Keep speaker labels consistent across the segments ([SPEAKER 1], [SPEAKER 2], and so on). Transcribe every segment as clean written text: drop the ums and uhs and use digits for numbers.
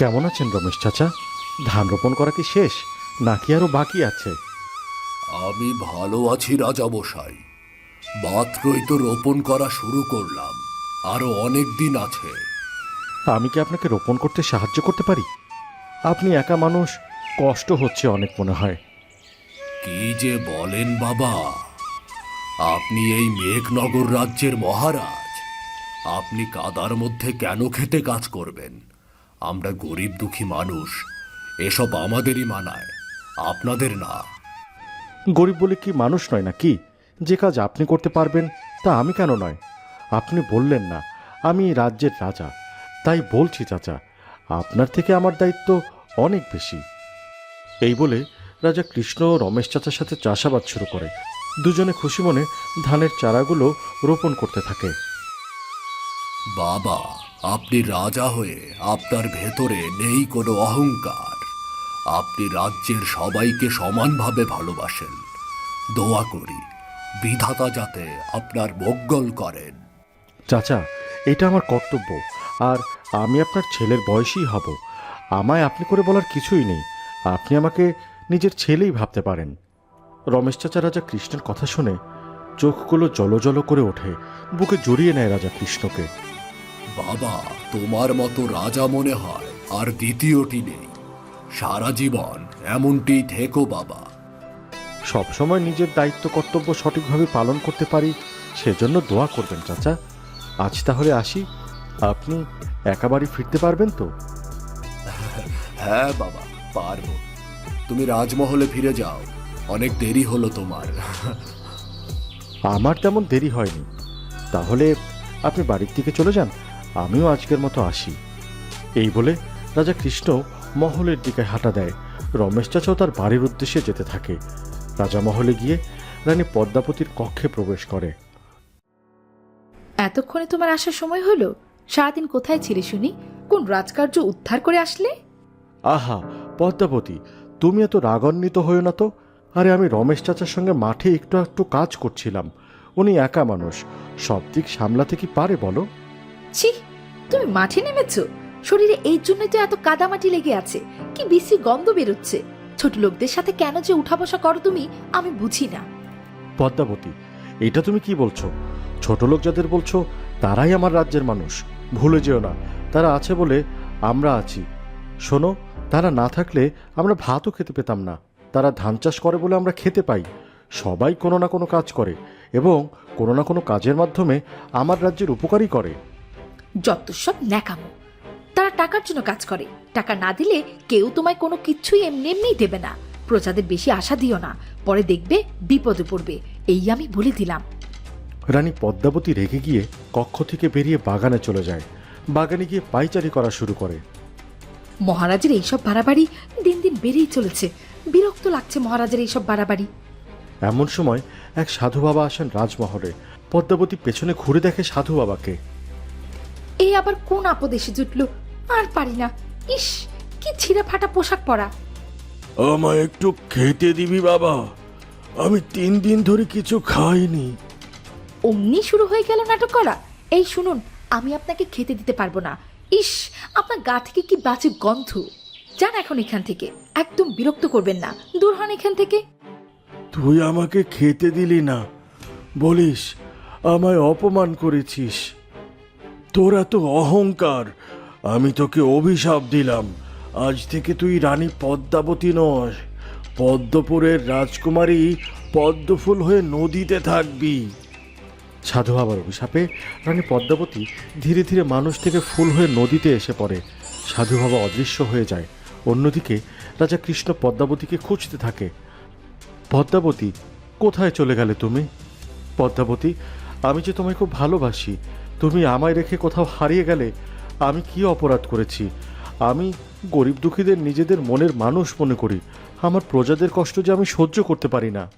[SPEAKER 1] কেমন আছেন রমেশ চাচা? ধান রোপণ করা কি শেষ নাকি আরো বাকি আছে?
[SPEAKER 2] আমি ভালো আছি রাজামশাই। মাত্রই তো রোপণ করা শুরু করলাম, আরো অনেক দিন আছে।
[SPEAKER 1] আমি কি আপনাকে রোপণ করতে সাহায্য করতে পারি? আপনি একা মানুষ, কষ্ট হচ্ছে অনেক মনে হয়।
[SPEAKER 2] কি যে বলেন বাবা, আপনি এই মেঘনগর রাজ্যের মহারাজ। আপনি কাদার মধ্যে কেন খেতে কাজ করবেন? আমরা গরিব দুঃখী মানুষ, এসব আমাদেরই মানায়, আপনাদের না।
[SPEAKER 1] গরিব বলে কি মানুষ নয় নাকি? যে কাজ আপনি করতে পারবেন তা আমি কেন নয়? আপনি বললেন না আমি এই রাজ্যের রাজা, তাই বলছি চাচা, আপনার থেকে আমার দায়িত্ব অনেক বেশি। এই বলে রাজা কৃষ্ণ রমেশ চাচার সাথে চাষাবাদ শুরু করে। দুজনে খুশি মনে ধানের চারাগুলো রোপণ করতে থাকে।
[SPEAKER 2] বাবা, আপনি রাজা হয়ে আপনার ভেতরে নেই কোনো অহংকার। আপনি রাজ্যের সবাইকে সমানভাবে ভালোবাসেন। দোয়া করি বিধাতা যাতে আপনার মঙ্গল করেন।
[SPEAKER 1] চাচা, এটা আমার কর্তব্য, আর আমি আপনার ছেলের বয়সী হব। আমায় আপনি করে বলার কিছুই নেই, আপনি আমাকে নিজের ছেলেই ভাবতে পারেন। রমেশ চাচা রাজা কৃষ্ণের কথা শুনে চোখগুলো জলজল করে ওঠে, বুকে জড়িয়ে নেয় রাজা কৃষ্ণকে।
[SPEAKER 2] বাবা, তোমার মতো রাজা মনে হয় আর দ্বিতীয়টি নেই। সারা জীবন এমনটি থেকো বাবা।
[SPEAKER 1] সবসময় নিজের দায়িত্ব কর্তব্য সঠিকভাবে পালন করতে পারি, সেজন্য দোয়া করবেন চাচা। আজ তাহলে আসি, আপনি একা বাড়ি ফিরতে পারবেন তো?
[SPEAKER 2] হ্যাঁ বাবা, পারবো। তুমি রাজমহলে ফিরে যাও, অনেক দেরি হলো তোমার।
[SPEAKER 1] আমার তেমন দেরি হয়নি। তাহলে আপনি বাড়ির দিকে চলে যান, আমিও আজকের মতো আসি। এই বলে রাজা কৃষ্ণ মহলের দিকে হাঁটা দেয়। রমেশ চাচাও তার বাড়ির উদ্দেশ্যে যেতে থাকে। রাজা মহলে গিয়ে রানী পদ্মাবতীর কক্ষে প্রবেশ করে।
[SPEAKER 3] এতক্ষণে তোমার আসার সময় হলো? সারাদিন কোথায় ছিলে শুনি? কোন রাজকার্য উদ্ধার করে আসলে?
[SPEAKER 1] আহা পদ্মাবতী, তুমি এত রাগান্বিত হয়েও না তো। আরে আমি রমেশ চাচার সঙ্গে মাঠে একটু একটু কাজ করছিলাম। উনি একা মানুষ, সব দিক সামলাতে কি পারে বলো?
[SPEAKER 3] ছি, তুমি মাঠে নেমেছো? শরীরে এই জন্যই তো এত কাদামাটি লেগে আছে, কি বিশ্রী গন্ধ বেরোচ্ছে। ছোট লোকদের সাথে কেন যে উঠা বসা করো তুমি, আমি বুঝি না।
[SPEAKER 1] পদ্মাবতী, এটা তুমি কি বলছো? ছোট লোক যাদের বলছো তারাই আমার রাজ্যের মানুষ। ভুলে যেও না, তারা আছে বলে আমরা আছি। শোনো, তারা না থাকলে আমরা ভাতও খেতে পেতাম না। তারা ধান চাষ করে বলে আমরা খেতে পাই। সবাই কোনো না কোনো কাজ করে এবং কোনো না কোনো কাজের মাধ্যমে আমার রাজ্যের উপকারই করে।
[SPEAKER 3] যত সব ন্যাকামো। তারা টাকার জন্য কাজ করে, টাকা না দিলে কেউ তোমায় কোনো কিছুই এমনি এমনিই দেবে না। প্রজাদের বেশি আশা দিও না, পরে দেখবে বিপদে পড়বে, এই আমি বলে দিলাম।
[SPEAKER 1] রানী পদ্মাবতী রেগে গিয়ে কক্ষ থেকে বেরিয়ে বাগানে চলে যায়। বাগানে গিয়ে পাইচারি করা শুরু করে।
[SPEAKER 3] মহারাজের এইসব বাড়াবাড়ি দিন দিন বেড়েই চলেছে। বিরক্ত লাগছে মহারাজের এইসব বাড়াবাড়ি।
[SPEAKER 1] এমন সময় এক সাধু বাবা আসেন রাজমহলে। পদ্মাবতী পেছনে ঘুরে দেখে সাধু বাবাকে।
[SPEAKER 3] এই আবার কোন আপদ এসে জুটলো? আর পারি না। ইস, কি ছিঁড়া ফাটা পোশাক পরা।
[SPEAKER 1] আমায় একটু খেতে দিবি বাবা? আমি 3 দিন ধরে কিছু খাইনি।
[SPEAKER 3] অমনি শুরু হয়ে গেল নাটক করা। এই শুনুন, আমি আপনাকে খেতে দিতে পারবো না। ইস, আপনার গা থেকে কি বাজে গন্ধ। যান এখন এখান থেকে, একদম বিরক্ত করবেন না, দূর হন এখান থেকে।
[SPEAKER 1] তুই আমাকে খেতে দিলি না, বলিস আমায় অপমান করেছিস। তোর এত অহংকার, আমি তোকে অভিশাপ দিলাম। আজ থেকে তুই রানী পদ্মাবতী নয়, পদ্মপুরের রাজকুমারী পদ্মফুল হয়ে নদীতে থাকবি। সাধু বাবার অভিশাপে রানী পদ্মাবতী ধীরে ধীরে মানুষ থেকে ফুল হয়ে নদীতে এসে পড়ে। সাধু বাবা অদৃশ্য হয়ে যায়। অন্যদিকে রাজা কৃষ্ণ পদ্মাবতীকে খুঁজতে থাকে। পদ্মাবতী, কোথায় চলে গেলে তুমি? পদ্মাবতী, আমি যে তোমায় খুব ভালোবাসি, তুমি আমায় রেখে কোথাও হারিয়ে গেলে। আমি কি অপরাধ করেছি? আমি গরিব দুঃখীদের নিজেদের মনের মানুষ মনে করি। আমার প্রজাদের কষ্ট যে আমি সহ্য করতে পারি না।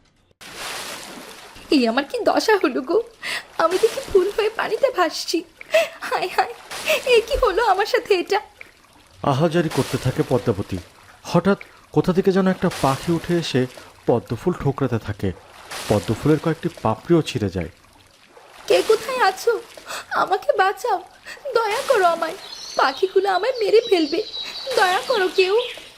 [SPEAKER 3] এই আমার কি দশা হলো গো! আমি দেখি ফুল হয়ে পানিতে ভাসছি। হায় হায়, এ কি হলো আমার সাথে এটা?
[SPEAKER 1] আহাজারি করতে থাকে পদ্মাবতী। হঠাৎ কোথা থেকে যেন একটা পাখি উঠে এসে পদ্মফুল ঠোকরাতে থাকে। পদ্মফুলের কয়েকটি পাপড়িও ছিঁড়ে যায়।
[SPEAKER 3] কে কোথায় আছো? আমাকে বাঁচাও, দয়া করো আমায়। পাখিগুলো আমায় মেরে ফেলবে, দয়া করো কেউ।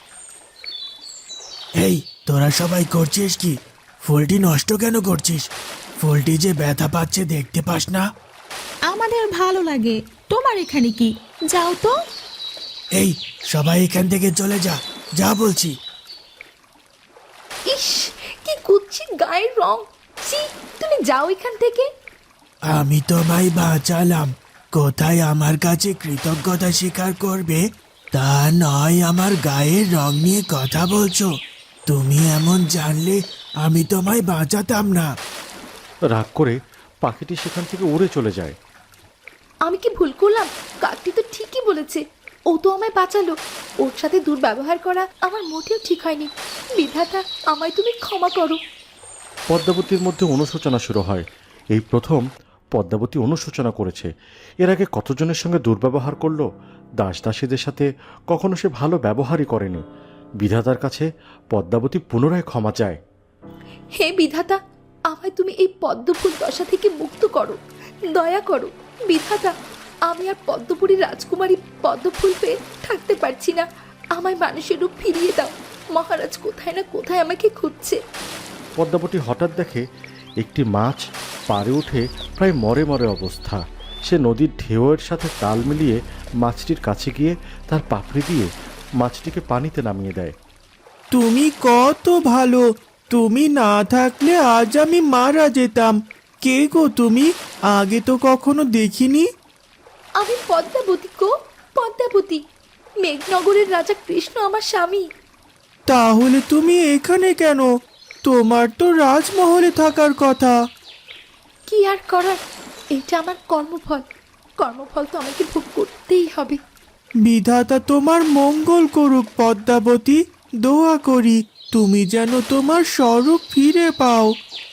[SPEAKER 4] এই তোরা সবাই করছিস কি? ফুলটি নষ্ট কেন করছিস? ফুলটি যে ব্যথা পাচ্ছে দেখতে পাস না?
[SPEAKER 5] আমাদের ভালো লাগে, তোমার এখানে কি? যাও তো।
[SPEAKER 4] এই সবাই এখান থেকে চলে যা, যা বলছি।
[SPEAKER 3] ইস, কি কুৎসিত গায়ের রং। ছি, তুমি যাও এখান থেকে।
[SPEAKER 4] আমি তোমায় বাঁচালাম, কোথায় আমার কাছে কৃতজ্ঞতা স্বীকার করবে? তা নয় আমার গায়ের রং নিয়ে কথা বলছো। তুমি এমন জানলে আমি তোমায় বাঁচাতাম না।
[SPEAKER 1] রাগ করে পাখিটি সেখান থেকে উড়ে চলে যায়।
[SPEAKER 3] আমি কি ভুল করলাম? কাকটি তো ঠিকই বলেছে, ও তো আমায় বাঁচালো। ওর সাথে দুর্ব্যবহার করা আমার মোটেও ঠিক হয়নি। বিধাতা, আমায় তুমি ক্ষমা করো।
[SPEAKER 1] পদ্মাবতীর মধ্যে অনুশোচনা শুরু হয়। এই প্রথম পদ্মাবতী অনুশোচনা করেছে। এর আগে কতজনের সঙ্গে দুর্ব্যবহার করলো। দাস দাসীদের সাথে কখনো সে ভালো ব্যবহারই করেনি। বিধাতার কাছে পদ্মাবতী পুনরায় ক্ষমা চায়।
[SPEAKER 3] হে বিধাতা, আমায় তুমি এই পদ্মফুল দশা থেকে মুক্ত করো, দয়া করো। বিধাতা, আমি আর পদ্মপুরীর রাজকুমারী পদ্মফুল পেয়ে থাকতে পারছি না। আমায় মানুষের রূপ ফিরিয়ে দাও। মহারাজ কোথায় না কোথায় আমাকে খুঁজছে।
[SPEAKER 1] পদ্মাবতী হঠাৎ দেখে একটি মাছ পাড়ে উঠে প্রায় মরে মরে অবস্থা। সে নদীর ঢেউয়ের সাথে তাল মিলিয়ে মাছটির কাছে গিয়ে তার পাপড়ি দিয়ে মাছটিকে পানিতে নামিয়ে দেয়।
[SPEAKER 4] তুমি কত ভালো, তুমি না থাকলে আজ আমি মারা যেতাম। কে গো তুমি? আগে তো কখনো দেখিনি।
[SPEAKER 3] আমি পদ্মাবতী গো, পদ্মাবতী। মেঘনগরের রাজা কৃষ্ণ আমার স্বামী।
[SPEAKER 4] তাহলে তুমি এখানে কেন? তোমার তো রাজমহলে থাকার কথা।
[SPEAKER 3] কি আর করার, এটা আমার কর্মফল। কর্মফল তো আমাকে ভোগ করতেই হবে।
[SPEAKER 4] বিধাতা তোমার মঙ্গল করুক পদ্মাবতী, দোয়া করি তুমি যেন তোমার স্বরূপ ফিরে পাও।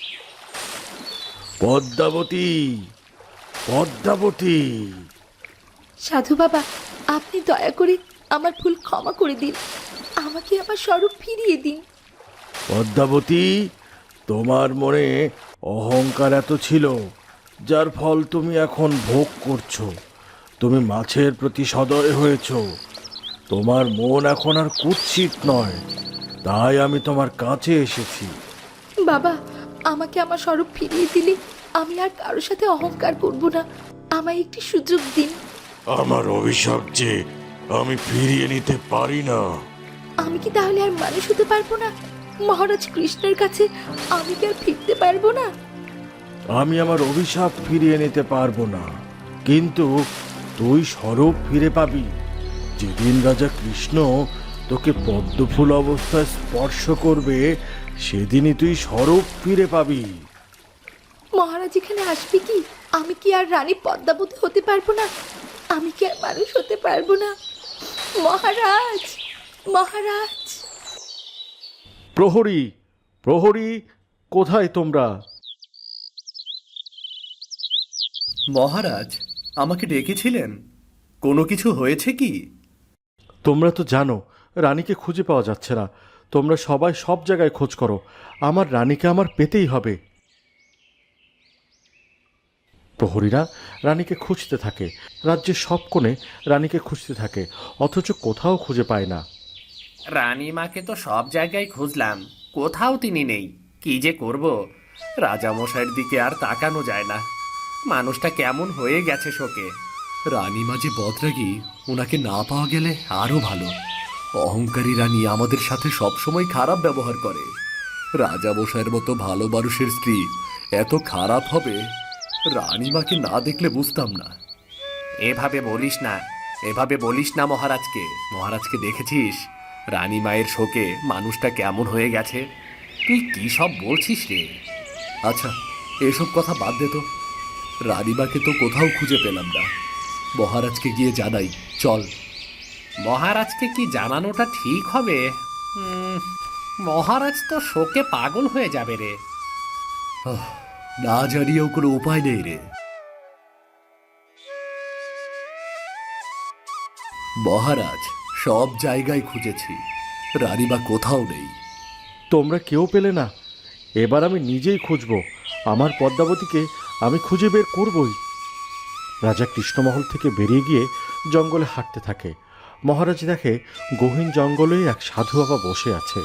[SPEAKER 1] পদ্মাবতী, পদ্মাবতী।
[SPEAKER 3] সাধু বাবা, আপনি দয়া করে আমার ভুল ক্ষমা করে দিন। আমাকে আমার স্বরূপ ফিরিয়ে দিন।
[SPEAKER 1] পদ্মাবতী, তোমার মনে অহংকার এত ছিল, যার ফল তুমি এখন ভোগ করছো। তুমি মাছের প্রতি সদয় হয়েছ। তোমার মন এখন আর কুৎসিত নয়, তাই আমি তোমার কাছে এসেছি।
[SPEAKER 3] বাবা, আমাকে আমার স্বরূপ ফিরিয়ে দিলে আমি আর কারোর সাথে অহংকার করব না। আমায় একটি সুযোগ দিন।
[SPEAKER 1] আমার অভিশাপ যে আমি ফিরিয়ে নিতে পারি না।
[SPEAKER 3] আমি কি তাহলে আর মানুষ হতে পারবো না? মহারাজ কৃষ্ণের কাছে আমি কি আর ফিরতে পারবো না?
[SPEAKER 1] আমি আমার অভিশাপ ফিরিয়ে নিতে পারবো না, কিন্তু তুই স্বরূপ ফিরে পাবি। যেদিন রাজা কৃষ্ণ তোকে পদ্মফুল অবস্থায় স্পর্শ করবে, সেদিনই তুই স্বরূপ ফিরে পাবি।
[SPEAKER 3] মহারাজ এখানে আসবে কি? আমি কি আর রানী পদ্মাবতী হতে পারবো না? আমি কি আর মানুষ হতে পারবো না? মহারাজ, মহারাজ।
[SPEAKER 1] প্রহরী, প্রহরী, কোথায় তোমরা?
[SPEAKER 2] মহারাজ, আমাকে ডেকেছিলেন? কোনো কিছু হয়েছে কি?
[SPEAKER 1] তোমরা তো জানো রানীকে খুঁজে পাওয়া যাচ্ছে না। তোমরা সবাই সব জায়গায় খোঁজ করো। আমার রানীকে আমার পেতেই হবে। প্রহরীরা রানীকে খুঁজতে থাকে। রাজ্যের সব কোণে রানীকে খুঁজতে থাকে, অথচ কোথাও খুঁজে পায় না।
[SPEAKER 6] রানীমাকে তো সব জায়গায় খুঁজলাম, কোথাও তিনি নেই। কি যে করব, রাজামশাইয়ের দিকে আর তাকানো যায় না। মানুষটা কেমন হয়ে গেছে শোকে।
[SPEAKER 2] রানীমা যে বদরাগী, ওনাকে না পাওয়া গেলে আরও ভালো। অহংকারী রানী আমাদের সাথে সবসময় খারাপ ব্যবহার করে। রাজামশাইয়ের মতো ভালো মানুষের স্ত্রী এত খারাপ হবে, রানীমাকে না দেখলে বুঝতাম না।
[SPEAKER 6] এভাবে বলিস না, এভাবে বলিস না মহারাজকে। মহারাজকে দেখেছিস? রানী মায়ের শোকে মানুষটা কেমন হয়ে গেছে। তুই কি সব বলছিস রে?
[SPEAKER 2] আচ্ছা, এসব কথা বাদ দে তো। রানীমাকে তো কোথাও খুঁজে পেলাম না। মহারাজকে গিয়ে জানাই, চল।
[SPEAKER 6] মহারাজকে কি জানানোটা ঠিক হবে? মহারাজ তো শোকে পাগল হয়ে যাবে রে।
[SPEAKER 2] না জানিয়েও কোনো উপায় নেই রে। মহারাজ, সব জায়গায় খুঁজেছি, রানীমা কোথাও নেই।
[SPEAKER 1] তোমরা কেউ পেলে না? এবার আমি নিজেই খুঁজব। আমার পদ্মাবতীকে আমি খুঁজে বের করবই। রাজা কৃষ্ণমহল থেকে বেরিয়ে গিয়ে জঙ্গলে হাঁটতে থাকে। মহারাজ দেখে গহীন জঙ্গলে এক সাধু বাবা বসে আছে।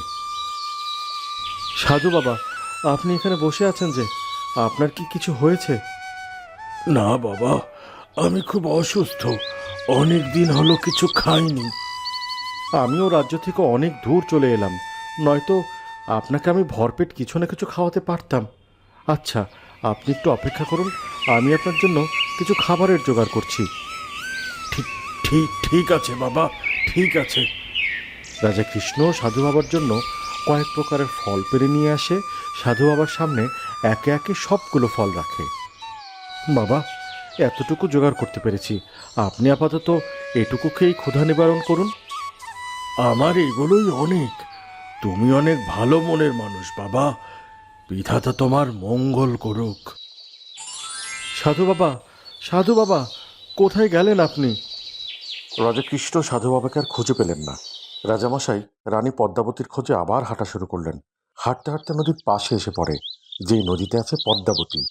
[SPEAKER 1] সাধু বাবা, আপনি এখানে বসে আছেন যে, আপনার কি কিছু হয়েছে? না বাবা, আমি খুব অসুস্থ, অনেক দিন হলো কিছু খাইনি। আমিও রাজ্য থেকে অনেক দূর চলে এলাম, নয়তো আপনাকে আমি ভরপেট কিছু না কিছু খাওয়াতে পারতাম। আচ্ছা, আপনি একটু অপেক্ষা করুন, আমি আপনার জন্য কিছু খাবারের জোগাড় করছি। ঠিক ঠিক ঠিক আছে বাবা, ঠিক আছে। রাজা কৃষ্ণ সাধু বাবার জন্য কয়েক প্রকারের ফল পেড়ে নিয়ে আসে, সাধু বাবার সামনে একে একে সবগুলো ফল রাখে। বাবা, এতটুকু জোগাড় করতে পেরেছি, আপনি আপাতত এটুকু খেয়েই ক্ষুধা নিবারণ করুন। আমার এগুলোই অনেক। তুমি অনেক ভালো মনের মানুষ বাবা, বিধাতা তোমার মঙ্গল করুক। সাধু বাবা, সাধু বাবা, কোথায় গেলেন আপনি? রাজা কৃষ্ণ সাধু বাবাকে আর খুঁজে পেলেন না। রাজামশাই রানী পদ্মাবতীর খোঁজে আবার হাঁটা শুরু করলেন। হাঁটতে হাঁটতে নদীর পাশে এসে পড়ে, যেই নদীতে আছে পদ্মাবতী।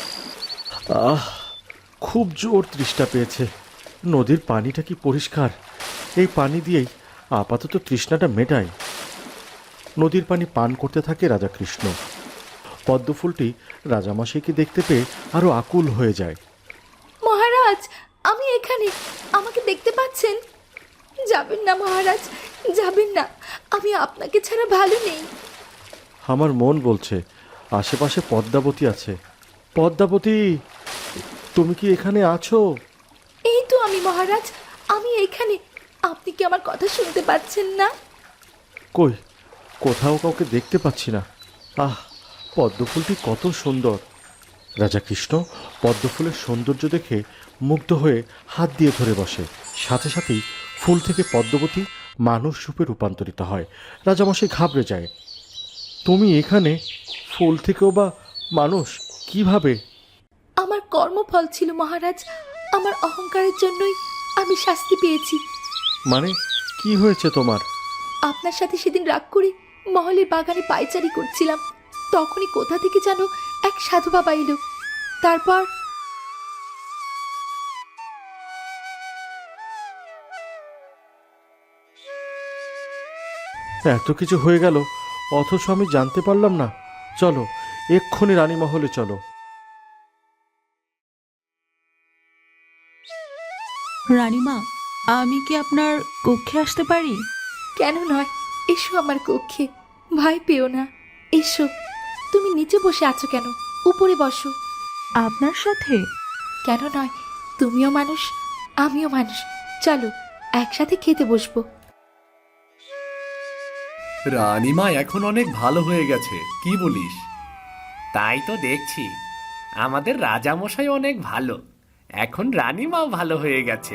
[SPEAKER 1] আহ, খুব জোর তৃষ্ণা পেয়েছে। নদীর পানিটা কি পরিষ্কার! এই পানি দিয়েই আপাতত তৃষ্ণাটা মেটায়। নদীর পানি পান করতে থাকে রাজা কৃষ্ণ। পদ্মফুলটি রাজামশাইকে দেখতে পেয়ে আরো আকুল হয়ে যায়।
[SPEAKER 3] মহারাজ, আমি এখানে, আমাকে দেখতে পাচ্ছেন? যাবেন না মহারাজ, যাবেন না, আমি আপনাকে ছাড়া ভালো নেই।
[SPEAKER 1] আমার মন বলছে আশেপাশে পদ্মাবতী আছে। পদ্মাবতী, তুমি কি এখানে আছো?
[SPEAKER 3] এই তো আমি মহারাজ, আমি এখানে। আপনি কি আমার কথা শুনতে পাচ্ছেন না?
[SPEAKER 1] কই, কোথাও কাউকে দেখতে পাচ্ছি না। আহ, পদ্মফুলটি কত সুন্দর! রাজা কৃষ্ণ পদ্মফুলের সৌন্দর্য দেখে মুগ্ধ হয়ে হাত দিয়ে ধরে বসে। সাথে সাথেই ফুল থেকে পদ্মবতী মানুষ রূপে রূপান্তরিত হয়। রাজামশাই ঘাবড়ে যায়। তুমি এখানে, ফুল থেকেও বা মানুষ কিভাবে?
[SPEAKER 3] আমার কর্মফল ছিল মহারাজ, আমার অহংকারের জন্যই আমি শাস্তি পেয়েছি।
[SPEAKER 1] মানে কি হয়েছে তোমার?
[SPEAKER 3] আপনার সাথে সেদিন রাগ করে মহলের বাগানে পায়চারি করছিলাম, তখনই কোথা থেকে যেন এক সাধু বাবা এলো। তারপর
[SPEAKER 1] এত কিছু হয়ে গেল, অথচ আমি জানতে পারলাম না। চলো, এক্ষুনি রানীমহলে চলো।
[SPEAKER 5] রানীমা, আমি কি আপনার কক্ষে আসতে পারি?
[SPEAKER 3] কেন নয়, এসো আমার কক্ষে, ভয় পেও না, এসো। তুমি নিচে বসে আছো কেন? উপরে বসো।
[SPEAKER 5] আপনার সাথে?
[SPEAKER 3] কেন নয়, তুমিও মানুষ, আমিও মানুষ, চলো একসাথে খেতে বসবো।
[SPEAKER 2] রানীমা এখন অনেক ভালো হয়ে গেছে, কি বলিস?
[SPEAKER 6] তাই তো দেখছি, আমাদের রাজামশাই অনেক ভালো, এখন রানীমাও ভালো হয়ে গেছে।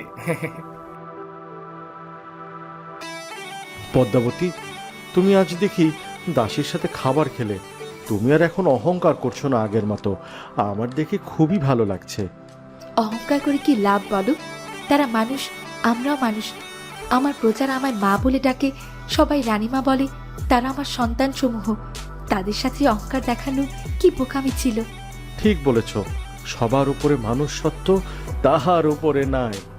[SPEAKER 1] পদ্মাবতী, তুমি আজ দেখি দাসীর সাথে খাবার খেলে। তুমি আর এখন অহংকার করছো না আগের মতো, আমার দেখে খুবই ভালো লাগছে।
[SPEAKER 3] অহংকার করে কি লাভ বলো? তারা মানুষ, আমরাও মানুষ। আমার প্রজারা আমায় মা বলে ডাকে, সবাই রানীমা বলে। তারা আমার সন্তান সমূহ, তাদের সাথে অহংকার দেখানো কি বোকামি ছিল।
[SPEAKER 1] ঠিক বলেছ, সবার উপরে মানুষ সত্য, তাহার উপরে নাই।